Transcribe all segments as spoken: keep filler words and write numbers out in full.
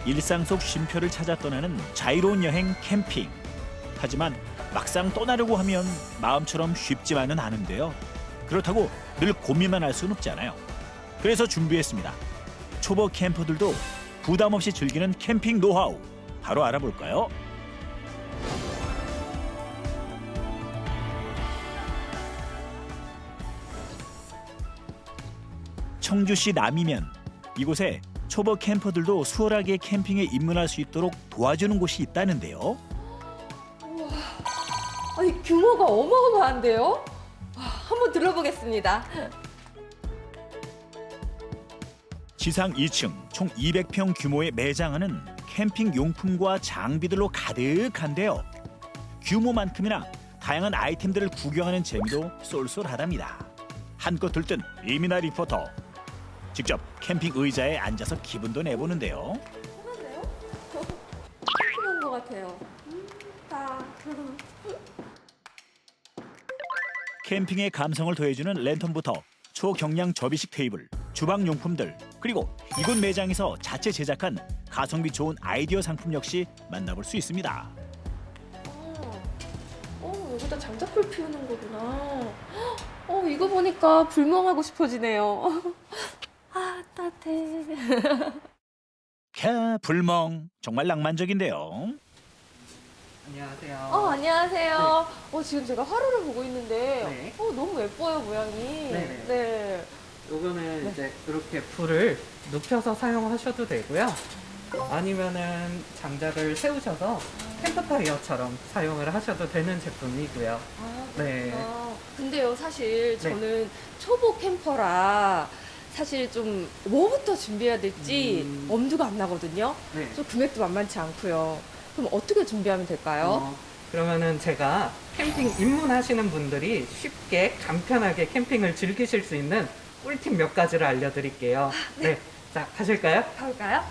일상 속 쉼표를 찾아 떠나는 자유로운 여행 캠핑. 하지만 막상 떠나려고 하면 마음처럼 쉽지만은 않은데요. 그렇다고 늘 고민만 할 수는 없잖아요. 그래서 준비했습니다. 초보 캠퍼들도 부담 없이 즐기는 캠핑 노하우. 바로 알아볼까요? 청주시 남이면 이곳에 초보 캠퍼들도 수월하게 캠핑에 입문할 수 있도록 도와주는 곳이 있다는데요. 아니, 규모가 어마어마한데요? 와, 한번 들어보겠습니다. 지상 이 층 총 이백 평 규모의 매장은 캠핑 용품과 장비들로 가득한데요. 규모만큼이나 다양한 아이템들을 구경하는 재미도 쏠쏠하답니다. 한껏 들뜬 이민아 리포터. 직접 캠핑 의자에 앉아서 기분도 내보는데요. 편한데요? 편한 것 같아요. 음, 딱. 캠핑의 감성을 더해주는 랜턴부터 초경량 접이식 테이블, 주방 용품들, 그리고 이곳 매장에서 자체 제작한 가성비 좋은 아이디어 상품 역시 만나볼 수 있습니다. 어, 어, 여기다 장작불 피우는 거구나. 어, 이거 보니까 불멍하고 싶어지네요. 아, 따뜻해. 캬, 불멍. 정말 낭만적인데요. 안녕하세요. 어, 안녕하세요. 어, 지금 제가 화로를 보고 있는데, 네. 어, 너무 예뻐요, 모양이. 네네. 네. 요거는 네. 이제 이렇게 불을 눕혀서 사용하셔도 되고요. 아니면은 장작을 세우셔서 캠프파이어처럼 사용을 하셔도 되는 제품이고요. 아, 네. 그렇구나. 근데요, 사실 네. 저는 초보 캠퍼라 사실 좀 뭐부터 준비해야 될지 음. 엄두가 안 나거든요. 네. 좀 금액도 만만치 않고요. 그럼 어떻게 준비하면 될까요? 어, 그러면은 제가 캠핑 입문하시는 분들이 쉽게 간편하게 캠핑을 즐기실 수 있는 꿀팁 몇 가지를 알려드릴게요. 네. 자, 가실까요? 가볼까요?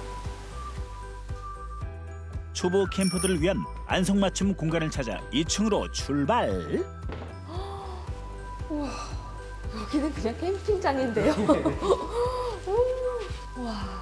초보 캠퍼들을 위한 안성맞춤 공간을 찾아 이 층으로 출발. 우와, 여기는 그냥 캠핑장인데요. 오, 와.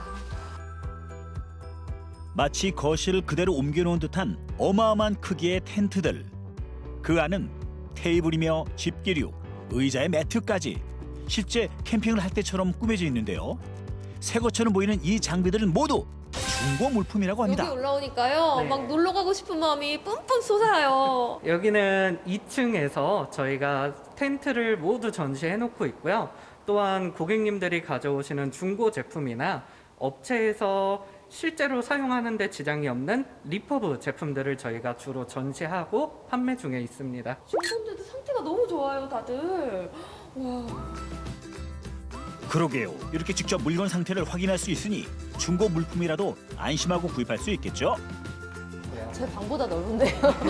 마치 거실을 그대로 옮겨놓은 듯한 어마어마한 크기의 텐트들. 그 안은 테이블이며 집기류, 의자에 매트까지 실제 캠핑을 할 때처럼 꾸며져 있는데요. 새 것처럼 보이는 이 장비들은 모두 중고 물품이라고 여기 합니다. 올라오니까요. 네. 막 놀러 가고 싶은 마음이 뿜뿜 솟아요. 여기는 이 층에서 저희가 텐트를 모두 전시해 놓고 있고요. 또한 고객님들이 가져오시는 중고 제품이나 업체에서 실제로 사용하는 데 지장이 없는 리퍼브 제품들을 저희가 주로 전시하고 판매 중에 있습니다. 중고인데도 상태가 너무 좋아요, 다들. 와. 그러게요. 이렇게 직접 물건 상태를 확인할 수 있으니 중고 물품이라도 안심하고 구입할 수 있겠죠? 제 방보다 넓은데요.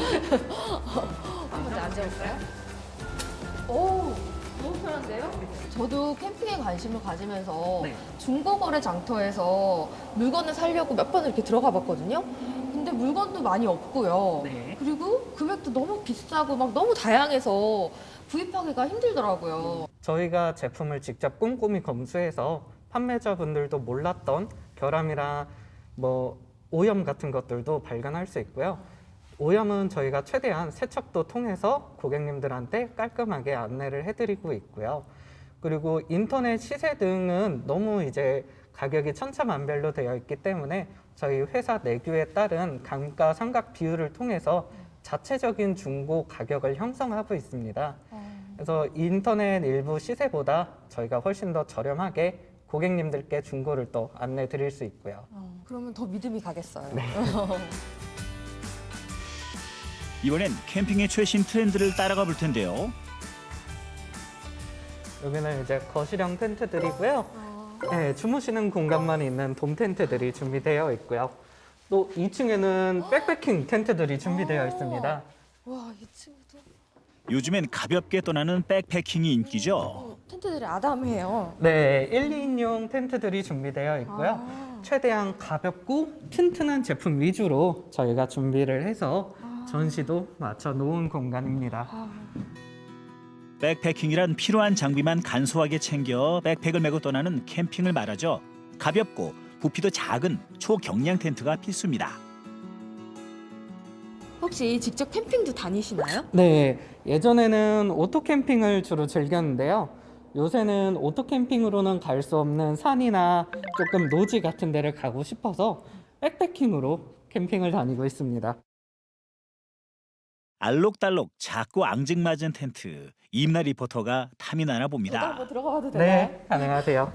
한번 앉아볼까요? 오, 너무 편한데요? 저도 캠핑에 관심을 가지면서 네. 중고거래 장터에서 물건을 사려고 몇 번 이렇게 들어가 봤거든요. 근데 물건도 많이 없고요. 네. 그리고 금액도 너무 비싸고 막 너무 다양해서 구입하기가 힘들더라고요. 저희가 제품을 직접 꼼꼼히 검수해서 판매자분들도 몰랐던 결함이나 뭐 오염 같은 것들도 발견할 수 있고요. 오염은 저희가 최대한 세척도 통해서 고객님들한테 깔끔하게 안내를 해드리고 있고요. 그리고 인터넷 시세 등은 너무 이제 가격이 천차만별로 되어 있기 때문에 저희 회사 내규에 따른 감가상각 비율을 통해서 자체적인 중고 가격을 형성하고 있습니다. 그래서 인터넷 일부 시세보다 저희가 훨씬 더 저렴하게 고객님들께 중고를 또 안내 드릴 수 있고요. 어, 그러면 더 믿음이 가겠어요. 이번엔 캠핑의 최신 트렌드를 따라가 볼 텐데요. 여기는 이제 거실형 텐트들이고요. 네, 주무시는 공간만 있는 돔 텐트들이 준비되어 있고요. 또 이 층에는 백패킹 텐트들이 준비되어 있습니다. 와, 이 친구도 요즘엔 가볍게 떠나는 백패킹이 인기죠. 어, 텐트들이 아담해요. 네, 일, 이인용 텐트들이 준비되어 있고요. 아. 최대한 가볍고 튼튼한 제품 위주로 저희가 준비를 해서 전시도 맞춰 놓은 공간입니다. 아. 백패킹이란 필요한 장비만 간소하게 챙겨 백팩을 메고 떠나는 캠핑을 말하죠. 가볍고 부피도 작은 초경량 텐트가 필수입니다. 혹시 직접 캠핑도 다니시나요? 네, 예전에는 오토 캠핑을 주로 즐겼는데요. 요새는 오토 캠핑으로는 갈 수 없는 산이나 조금 노지 같은 데를 가고 싶어서 백패킹으로 캠핑을 다니고 있습니다. 알록달록 작고 앙증맞은 텐트. 임나 리포터가 탐이 나나 저도 봅니다. 한번 들어가봐도 되나요? 네, 가능하세요.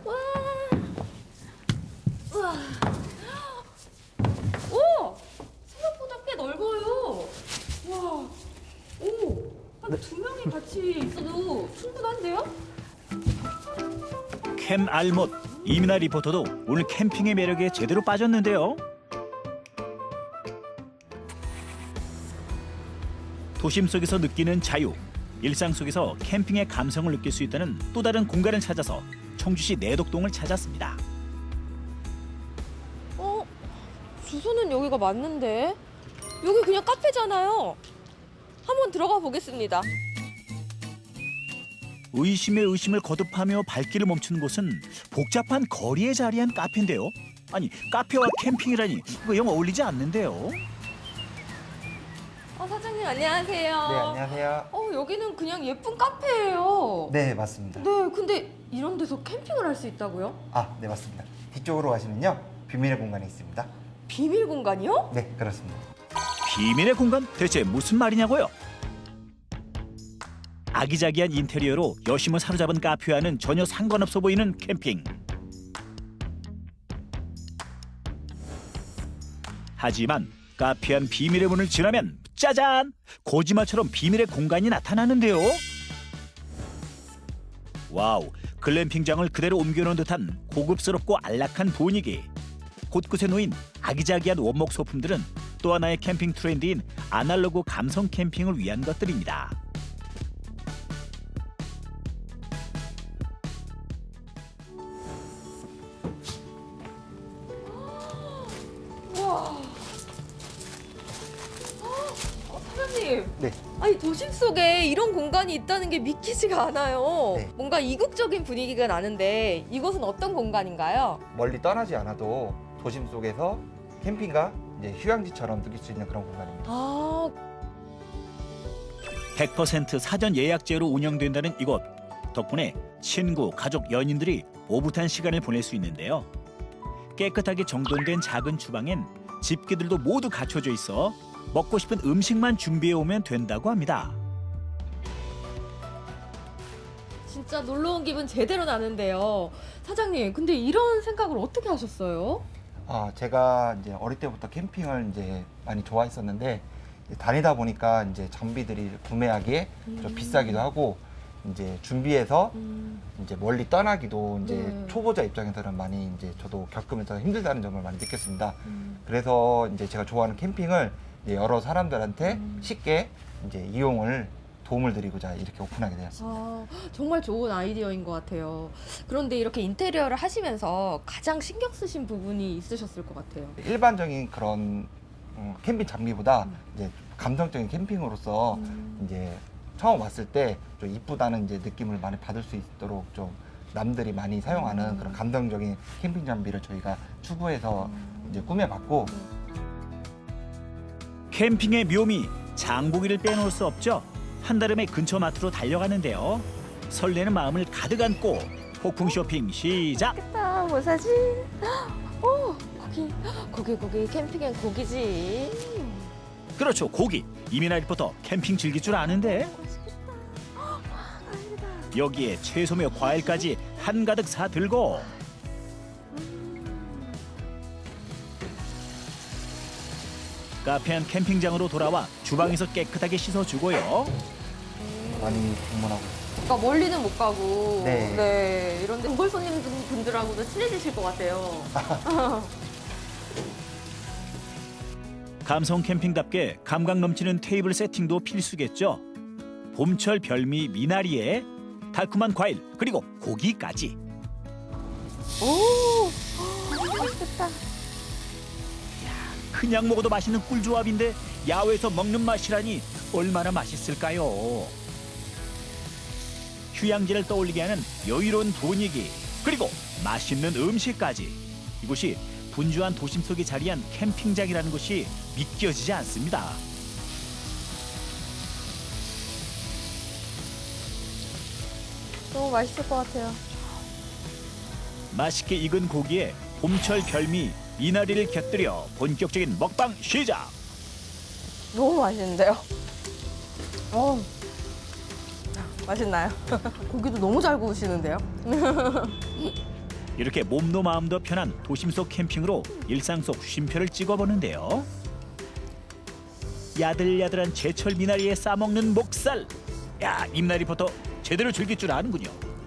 오! 생각보다 꽤 넓어요. 와, 오, 한 두 명이 같이 있어도 충분한데요? 캠 알못 이민아 리포터도 오늘 캠핑의 매력에 제대로 빠졌는데요. 도심 속에서 느끼는 자유, 일상 속에서 캠핑의 감성을 느낄 수 있다는 또 다른 공간을 찾아서 청주시 내덕동을 찾았습니다. 어, 주소는 여기가 맞는데 여기 그냥 카페잖아요. 한번 들어가 보겠습니다. 의심에 의심을 거듭하며 발길을 멈춘 곳은 복잡한 거리에 자리한 카페인데요. 아니, 카페와 캠핑이라니 이거 영 어울리지 않는데요. 어, 사장님 안녕하세요. 네, 안녕하세요. 어, 여기는 그냥 예쁜 카페예요. 네, 맞습니다. 네, 근데 이런 데서 캠핑을 할 수 있다고요? 아, 네, 맞습니다. 뒤쪽으로 가시면요. 비밀의 공간이 있습니다. 비밀 공간이요? 네, 그렇습니다. 비밀의 공간 대체 무슨 말이냐고요? 아기자기한 인테리어로 여심을 사로잡은 카페와는 전혀 상관없어 보이는 캠핑. 하지만 카페한 비밀의 문을 지나면 짜잔! 고지마처럼 비밀의 공간이 나타나는데요. 와우, 글램핑장을 그대로 옮겨놓은 듯한 고급스럽고 안락한 분위기. 곳곳에 놓인 아기자기한 원목 소품들은 또 하나의 캠핑 트렌드인 아날로그 감성 캠핑을 위한 것들입니다. 어, 사장님. 네, 아니 도심 속에 이런 공간이 있다는 게 믿기지가 않아요. 네. 뭔가 이국적인 분위기가 나는데 이곳은 어떤 공간인가요? 멀리 떠나지 않아도 도심 속에서 캠핑과 이제 휴양지처럼 느낄 수 있는 그런 공간입니다. 아, 백 퍼센트 사전 예약제로 운영된다는 이곳. 덕분에 친구, 가족, 연인들이 오붓한 시간을 보낼 수 있는데요. 깨끗하게 정돈된 작은 주방엔 집기들도 모두 갖춰져 있어 먹고 싶은 음식만 준비해 오면 된다고 합니다. 진짜 놀러 온 기분 제대로 나는데요. 사장님, 근데 이런 생각을 어떻게 하셨어요? 아, 제가 이제 어릴 때부터 캠핑을 이제 많이 좋아했었는데 이제 다니다 보니까 이제 장비들이 구매하기에 좀 음. 비싸기도 하고 이제 준비해서 음, 이제 멀리 떠나기도 이제 네. 초보자 입장에서는 많이 이제 저도 겪으면서 힘들다는 점을 많이 느꼈습니다. 음. 그래서 이제 제가 좋아하는 캠핑을 이제 여러 사람들한테 음. 쉽게 이제 이용을 도움을 드리고자 이렇게 오픈하게 되었습니다. 아, 정말 좋은 아이디어인 것 같아요. 그런데 이렇게 인테리어를 하시면서 가장 신경 쓰신 부분이 있으셨을 것 같아요. 일반적인 그런 음, 캠핑 장비보다 음. 이제 감성적인 캠핑으로서 음. 이제 처음 왔을 때 좀 이쁘다는 이제 느낌을 많이 받을 수 있도록 좀 남들이 많이 사용하는 음. 그런 감성적인 캠핑 장비를 저희가 추구해서 이제 꾸며봤고 캠핑의 묘미, 장보기를 빼놓을 수 없죠. 한달음에 근처 마트로 달려가는데요. 설레는 마음을 가득 안고 폭풍 쇼핑 시작! 아, 뭐 사지? 어, 고기, 고기, 고기, 캠핑엔 고기지. 그렇죠, 고기. 이민아 리포터 캠핑 즐길 줄 아는데 맛있겠다. 아, 다행이다. 여기에 채소며 과일까지 한가득 사들고 카페한 캠핑장으로 돌아와 주방에서 깨끗하게 씻어주고요. 많이 방문하고 있습니다. 그러니까 멀리는 못 가고, 네. 네, 이런데 단골 손님분들하고도 친해지실 것 같아요. 감성 캠핑답게 감각 넘치는 테이블 세팅도 필수겠죠. 봄철 별미 미나리에 달콤한 과일 그리고 고기까지. 오, 맛있겠다. 그냥 먹어도 맛있는 꿀조합인데 야외에서 먹는 맛이라니 얼마나 맛있을까요? 휴양지를 떠올리게 하는 여유로운 분위기 그리고 맛있는 음식까지 이곳이 분주한 도심 속에 자리한 캠핑장이라는 것이 믿겨지지 않습니다. 너무 맛있을 것 같아요. 맛있게 익은 고기에 봄철 별미 미나리를 곁들여 본격적인 먹방 시작. 너무 맛있는데요? 어, 맛있나요? 고기도 너무 잘 구우시는데요? 이렇게 몸도 마음도 편한 도심 속 캠핑으로 일상 속 쉼표를 찍어보는데요. 야들야들한 제철 미나리에 싸먹는 목살. 야, 입나리부터 제대로 즐길 줄 아는군요.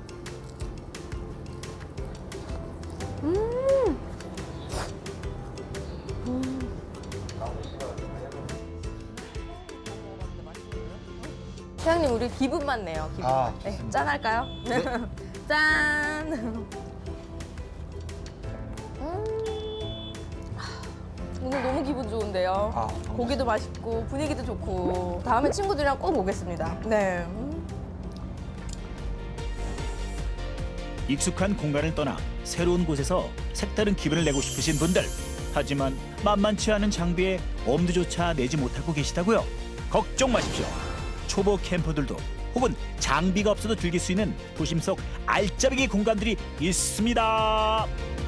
사장님, 우리 기분만 내요. 기분. 아, 네, 좋습니다. 짠 할까요? 짠. 음. 오늘 너무 기분 좋은데요. 아, 너무 고기도 맛있고 분위기도 좋고 다음에 친구들이랑 꼭 오겠습니다. 네. 음. 익숙한 공간을 떠나 새로운 곳에서 색다른 기분을 내고 싶으신 분들, 하지만 만만치 않은 장비에 엄두조차 내지 못하고 계시다고요? 걱정 마십시오. 초보 캠퍼들도 혹은 장비가 없어도 즐길 수 있는 도심 속 알짜배기 공간들이 있습니다.